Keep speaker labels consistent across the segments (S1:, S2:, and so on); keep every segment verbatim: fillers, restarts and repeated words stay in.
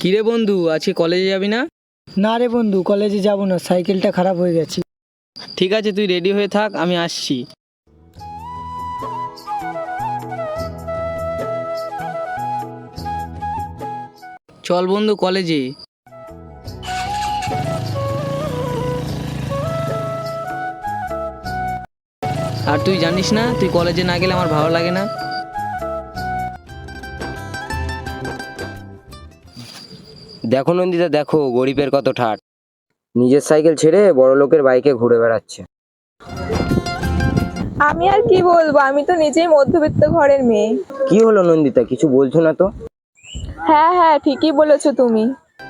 S1: কিরে বন্ধু, আজকে কলেজে যাবি না?
S2: না রে বন্ধু, কলেজে যাব না, সাইকেলটা খারাপ হয়ে গেছে।
S1: ঠিক আছে, তুই রেডি হয়ে থাক, আমি আসছি। চল বন্ধু কলেজে। আর তুই জানিস না, তুই কলেজে না গেলে আমার ভালো লাগে না।
S3: দেখো নন্দিতা, দেখো গরিবের কত ঠাট, নিজের সাইকেল ছেড়ে বড় লোকের বাইকে ঘুরে বেড়াচ্ছে।
S4: আমি আর কি বলবো, আমি তো নিজেই মধ্যবিত্ত ঘরের মেয়ে।
S3: কি হলো নন্দিতা, কিছু বলছো না তো?
S4: হ্যাঁ হ্যাঁ, ঠিকই বলেছো তুমি।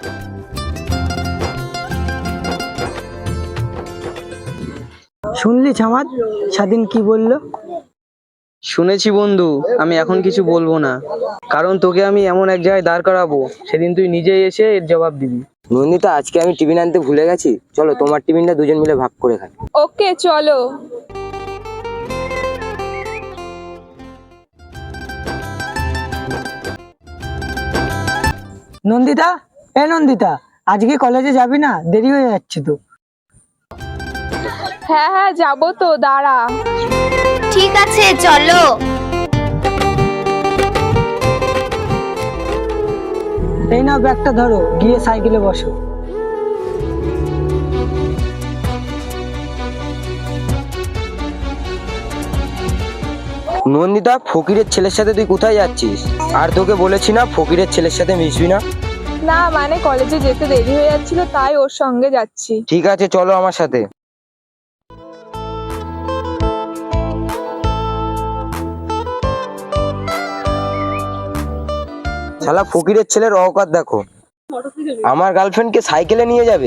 S2: শুনলি ছামাদ, স্বাধীন কি বললো?
S1: শুনেছি বন্ধু, আমি এখন কিছু বলবো না, কারণ তোকে আমি এমন এক জায়গায় দাঁড় করাবো, সেদিন তুই নিজেই এসে এর জবাব দিবি।
S3: নন্দিতা, আজকে আমি টিফিন আনতে ভুলে গেছি, চলো তোমার টিফিনটা দুজন মিলে ভাগ করে খাই।
S4: ওকে চলো।
S2: নন্দিতা, এ নন্দিতা, আজকে কলেজে যাবি না? দেরি হয়ে যাচ্ছে তো।
S4: হ্যাঁ হ্যাঁ যাবো তো, দাঁড়া।
S5: ঠিক আছে চলো।
S2: এই নাও ব্যাগটা ধরো, গিয়ে সাইকেলে বসো।
S3: নন্দিতা, ফকিরের ছেলের সাথে তুই কোথায় যাচ্ছিস? আর তোকে বলেছি না ফকিরের ছেলের সাথে মিশবি না?
S4: না মানে কলেজে যেতে দেরি হয়ে যাচ্ছিল, তাই ওর সঙ্গে যাচ্ছি।
S3: ঠিক আছে, চলো আমার সাথে। শালা ফকিরের ছেলের অকাত দেখো, আমার গার্লফ্রেন্ডকে সাইকেলে নিয়ে যাবে।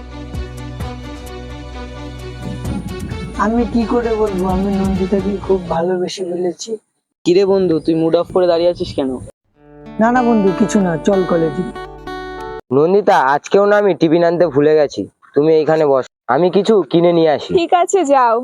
S2: আমি কি করে বলবো, আমি নন্দিতাকে খুব ভালোবেসে ফেলেছি।
S1: কিরে বন্ধু, তুই মুড অফ করে দাঁড়িয়ে আছিস কেন?
S2: না না বন্ধু, কিছু না, চল কলেজে।
S3: নন্দিতা, আজকেও না আমি টিফিন আনতে ভুলে গেছি, তুমি এইখানে বস, আমি কিছু কিনে নিয়ে আসি।
S4: ঠিক আছে যাও।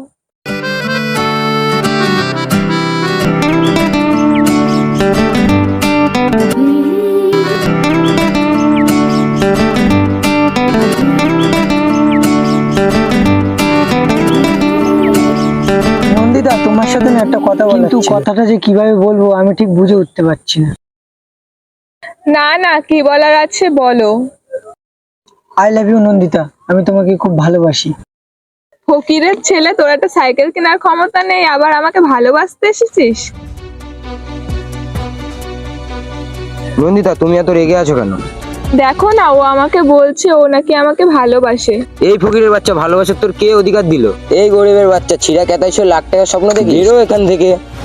S2: নন্দিতা, তোমার সাথে না একটা কথা বলার ছিল, কিন্তু কথাটা যে কিভাবে বলবো আমি ঠিক বুঝে উঠতে পারছি না।
S4: না না, কি বলার আছে বলো।
S2: আই লাভ ইউ নন্দিতা, আমি তোমাকে খুব ভালোবাসি।
S4: ফকিরের ছেলে, তোর একটা সাইকেল কেনার ক্ষমতা নেই, আবার আমাকে ভালোবাসতে এসেছিস?
S3: নন্দিতা, তুমি এত রেগে আছো কেন?
S4: দেখো না, ও আমাকে বলছে ও নাকি আমাকে ভালোবাসে।
S3: এই ফকিরের বাচ্চা, ভালোবাসার তোর কে অধিকার দিল? এই গরিবের বাচ্চা, ছিঁড়া কেতাইশো লাখ টাকার স্বপ্ন দেখি, বেরো এখান থেকে।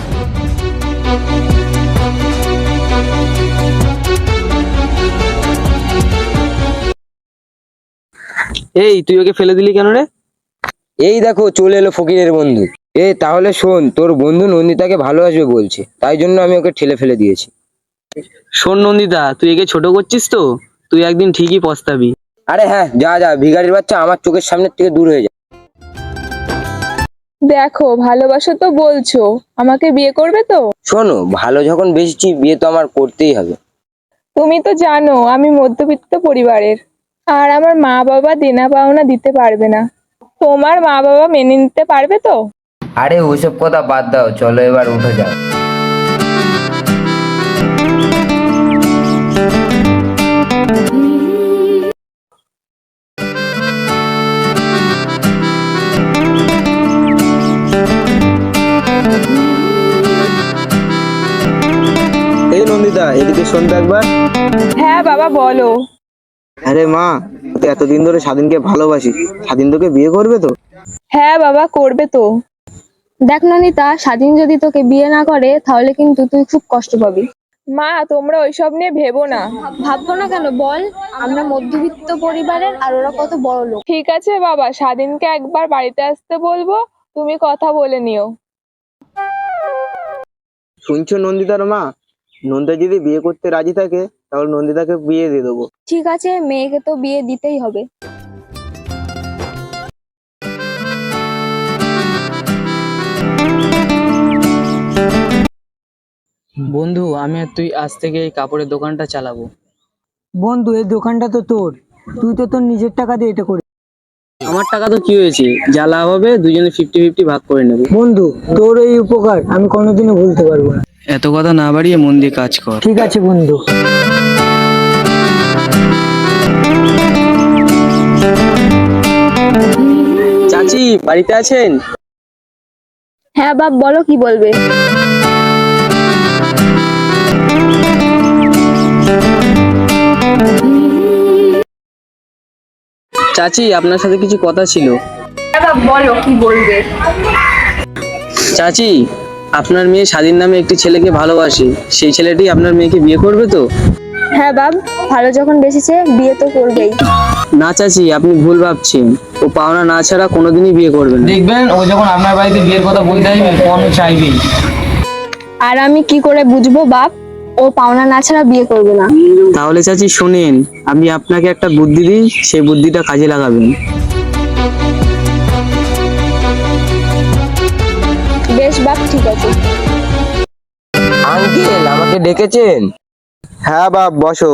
S1: এই, তুই ওকে ফেলে দিলি কেন রে?
S3: এই দেখো চলে এলো ফকিরের বন্ধু। এ তাহলে শোন, তোর বন্ধু নন্দিতাকে ভালোবাসবে বলছে, তাই জন্য আমি ওকে ঠেলে ফেলে দিয়েছি।
S1: শোন নন্দিতা, তুই একে ছোট করছিস তো, তুই একদিন ঠিকই পস্তাবি।
S3: আরে হ্যাঁ, যা যা, ভিখারির বাচ্চা, আমার চোখের সামনে থেকে দূর হয়ে যা।
S4: দেখো, ভালোবাসো তো বলছো, আমাকে বিয়ে করবে তো?
S3: শোনো, ভালো যখন বেশি, বিয়ে তো আমার করতেই হবে।
S4: তুমি তো জানো আমি মধ্যবিত্ত পরিবারের, আর আমার মা বাবা দেনা পাওনা দিতে পারবে না। তোমার মা বাবা মেনে নিতে পারবে তো?
S3: আরে ওইসব কথা বাদ দাও, চলো এবার উঠে যাও।
S6: এই নন্দিতা, এদিকে শোন তো একবার।
S4: হ্যাঁ বাবা বলো।
S6: আরে মা, তুই এতদিন ধরে স্বাধীনকে ভালোবাসি, স্বাধীন তোকে বিয়ে করবে তো?
S4: হ্যাঁ বাবা, করবে তো।
S5: দেখ নন্দিতা, স্বাধীন যদি তোকে বিয়ে না করে তাহলে কিন্তু তুই খুব কষ্ট পাবি।
S4: মা, তোমরা ওইসব নিয়ে ভেবো না।
S5: ভাববো না কেন বল, আমরা মধ্যবিত্ত পরিবারের আর ওরা কত বড় লোক।
S4: ঠিক আছে বাবা, স্বাধীনকে একবার বাড়িতে আসতে বলবো, তুমি কথা বলে নিও।
S6: শুনছো নন্দিতার মা, নন্দিতা যদি বিয়ে করতে রাজি থাকে তাহলে নন্দিতাকে বিয়ে দিয়ে দেবো।
S5: ঠিক আছে, মেয়েকে তো বিয়ে দিতেই হবে।
S1: বন্ধু, আমি আর তুই আজ থেকে এই কাপড়ের দোকানটা চালাবো।
S2: বন্ধু এই দোকানটা তো তোর, তুই তো তোর নিজের টাকা দিয়ে এটা করে।
S1: আমার টাকা তো কি হয়েছে, যা লাভ হবে দুজনে ফিফটি ফিফটি ভাগ করে নেবো।
S2: বন্ধু তোর এই উপকার আমি কোনোদিনও ভুলতে পারবো না।
S1: এত কথা না বাড়িয়ে মন দিয়ে কাজ কর।
S2: ঠিক আছে বন্ধু।
S1: চাচি বাড়িতে আছেন?
S5: হ্যাঁ বাপ, বলো কি বলবে।
S1: চাচি আপনার সাথে কিছু কথা ছিল।
S4: হ্যাঁ বাপ, বলো কি বলবে।
S1: চাচি আপনার মেয়ে স্বাধীন নামে একটি ছেলেকে ভালোবাসে, সেই ছেলেটি আপনার মেয়েকে বিয়ে করবে তো?
S5: হ্যাঁ বাপ, ভালো যখন বেসেছে বিয়ে তো করবেই।
S1: না চাচি, আপনি ভুল ভাবছেন। ও পাওনা না ছাড়া কোনোদিনই বিয়ে করবে না। দেখবেন ও যখন আপনার বাড়িতে বিয়ের কথা বলতে আসবে তখন ও চাইবেই।
S5: আর আমি কি করে বুঝবো বাপ ও পাওনা না ছাড়া বিয়ে করবে না?
S1: তাহলে চাচি শোনেন, আমি আপনাকে একটা বুদ্ধি দিই, সেই বুদ্ধিটা কাজে লাগাবেন।
S5: বেশ বাপ, ঠিক আছে।
S3: আঙ্কেল আমাকে ডেকেছেন?
S6: হ্যাঁ বাপ, বসো।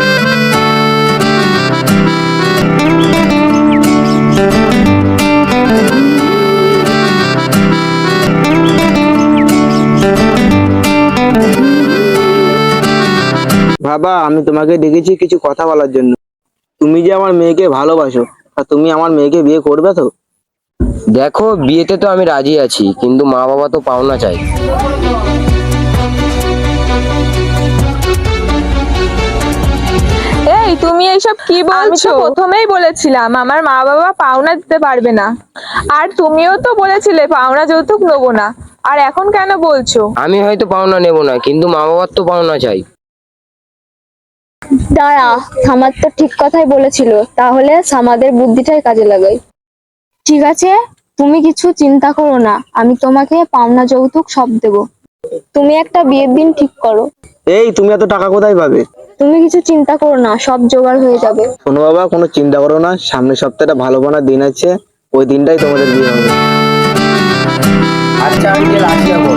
S6: বাবা, আমি তোমাকে ডেকেছি কিছু কথা বলার জন্য। তুমি যে আমার মেয়েকে ভালোবাসো, আর তুমি আমার মেয়েকে বিয়ে করবে তো?
S3: দেখো, বিয়েতে তো আমি রাজি আছি, কিন্তু মা বাবা তো পাওনা চাই।
S4: এই তুমি এইসব কি বলছো? আমি তো প্রথমেই বলেছিলাম আমার মা বাবা পাওনা দিতে পারবে না, আর তুমিও তো বলেছিলে পাওনা যৌতুক নেবো না, আর এখন কেন বলছো?
S3: আমি হয়তো পাওনা নেব না, কিন্তু মা বাবার তো পাওনা চাই।
S5: দাঁড়া, সামাদ তো ঠিক কথাই বলেছিল, তাহলে সামাদের বুদ্ধিটাই কাজে লাগাই। ঠিক আছে, তুমি কিছু চিন্তা করো না, আমি তোমাকে পাওনা যৌতুক সব দেবো। তুমি একটা বিয়ের দিন ঠিক করো।
S6: এই, তুমি এত টাকা কোথায় পাবে?
S5: তুমি কিছু চিন্তা করো না, সব জোগাড় হয়ে যাবে।
S6: শোনো বাবা, কোনো চিন্তা করো না, সামনের সপ্তাহটা ভালো বানার দিন আছে, ওই দিনটাই তোমাদের বিয়ে হবে।
S3: আচ্ছা আঙ্কেল, আসি এখন।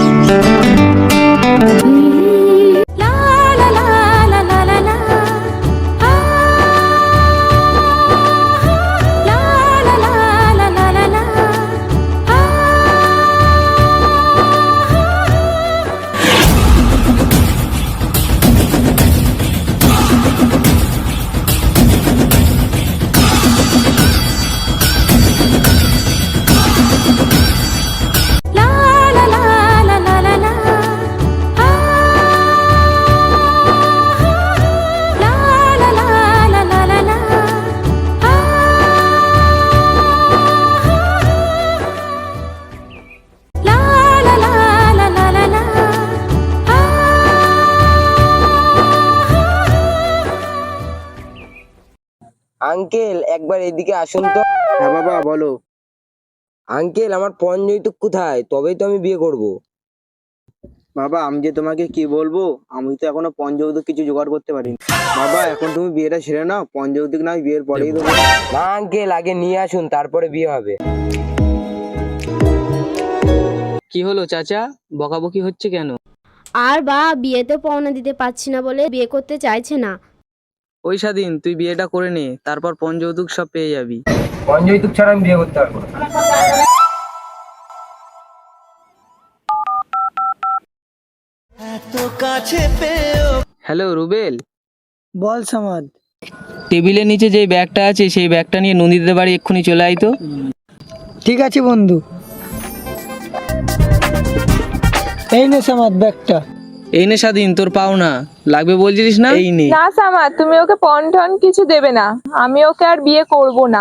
S3: আঙ্কেল একবার এদিকে আসুন তো।
S6: হ্যাঁ বাবা, বলো।
S3: আঙ্কেল, আমার পণ যৌতুক কোথায়? তবেই তো আমি বিয়ে করব।
S6: বাবা, আমি যে তোমাকে কি বলবো, আমি তো এখনো পঞ্চৌতিক কিছু জোগাড় করতে পারিনি। বাবা, এখন তুমি বিয়েটা সেরে নাও, পঞ্চৌতিক না বিয়ের পরেই দেবো।
S3: না আঙ্কেল, আগে নিয়ে আসুন, তারপরে বিয়ে হবে।
S1: কি হলো চাচা, বকাবকি হচ্ছে কেন?
S7: আর বা বিয়েতে পাওনা দিতে পারছি না বলে বিয়ে করতে চাইছে না।
S1: ওই স্বাধীন, তুই বিয়েটা করে নে, তারপর পণ যৌতুক সব পেয়ে যাবি।
S3: পণ যৌতুক ছাড়া আমি বিয়ে করতে পারবো না।
S1: হ্যালো রুবেল,
S2: বল সামাদ।
S1: টেবিলের নিচে যে ব্যাগটা আছে সেই ব্যাগটা নিয়ে নন্দীদের বাড়ি এক্ষুনি চলে আয় তো।
S2: ঠিক আছে বন্ধু। এই নে সামাদ ব্যাগটা।
S1: এই নে স্বাধীন, তোর পাওনা লাগবে বলছিস না, এই নে।
S4: না সামাদ, তুমি ওকে পণ টন কিছু দেবে না, আমি ওকে আর বিয়ে করব না।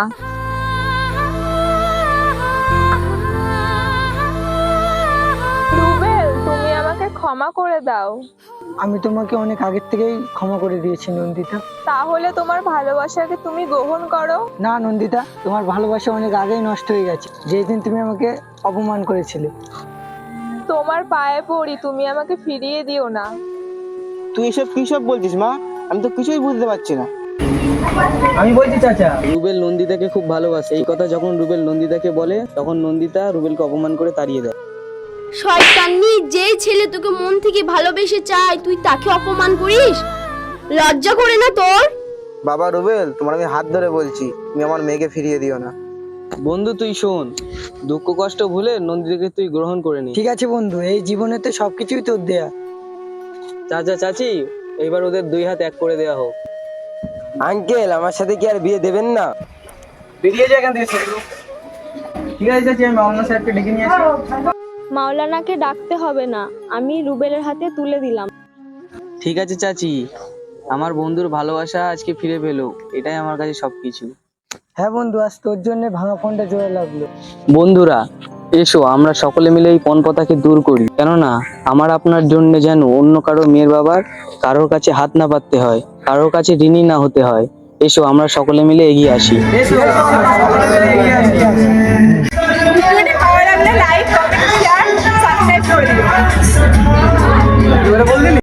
S4: রুবেল, তুমি আমাকে ক্ষমা করে দাও।
S2: আমি তোমাকে অনেক আগের থেকেই ক্ষমা করে দিয়েছি নন্দিতা।
S4: তাহলে তোমার ভালোবাসাকে তুমি গ্রহণ করো।
S2: না নন্দিতা, তোমার ভালোবাসা অনেক আগেই নষ্ট হয়ে গেছে, যেদিন তুমি আমাকে অপমান করেছিলে।
S4: তোমার পায়ে পড়ি, তুমি আমাকে ফিরিয়ে দিও না।
S6: তুই এসব কি সব বলছিস মা? আমি তো কিছুই বুঝতে পারছি না।
S1: আমি বলছি চাচা, রুবেল নন্দিতাকে খুব ভালোবাসে। এই কথা যখন রুবেল নন্দিতাকে বলে, তখন নন্দিতা রুবেলকে অপমান করে তাড়িয়ে দেয়।
S7: শয়তানি, যেই ছেলে তোকে মন থেকে ভালোবেসে চায় তুই তাকে অপমান করিস। লজ্জা করে না তোর?
S6: বাবা রুবেল, তোমার আমি হাত ধরে বলছি, তুমি আমার মেয়েকে ফিরিয়ে দিও না।
S1: বন্ধু তুই শোন, দুঃখ কষ্ট ভুলে নন্দিতাকে তুই গ্রহণ করে নি।
S2: ঠিক আছে বন্ধু, এই জীবনে তো সবকিছুই তোর দেয়া।
S1: চাচা চাচি, এবার ওদের দুই হাত এক করে দেওয়া হোক।
S3: আঙ্কেল, আমার সাথে কি আর বিয়ে দেবেন না?
S1: বেরিয়ে যায় এখান থেকে ছেলেগুলো। ঠিক আছে চাচি, আমি অন্য স্যারকে ডেকে নিয়ে আসি।
S5: মাওলানাকে ডাকতে হবে না, আমি রুবেলের হাতে তুলে দিলাম।
S1: ঠিক আছে চাচি, আমার বন্ধুর ভালোবাসা আজকে ফিরে পেলো, এটাই আমার কাছে সবকিছু।
S2: হ্যাঁ বন্ধু, আজ তোর জন্য ভাঙা ফোনটা জোড়া লাগলো।
S1: বন্ধুরা এসো আমরা সকলে মিলে এই পণপতাকে দূর করি, কেননা আমার আপনার জন্য যেন অন্য কারো মেয়ের বাবার কারোর কাছে হাত না পাততে হয়, কারোর কাছে ঋণী না হতে হয়। এসো আমরা সকলে মিলে এগিয়ে আসি।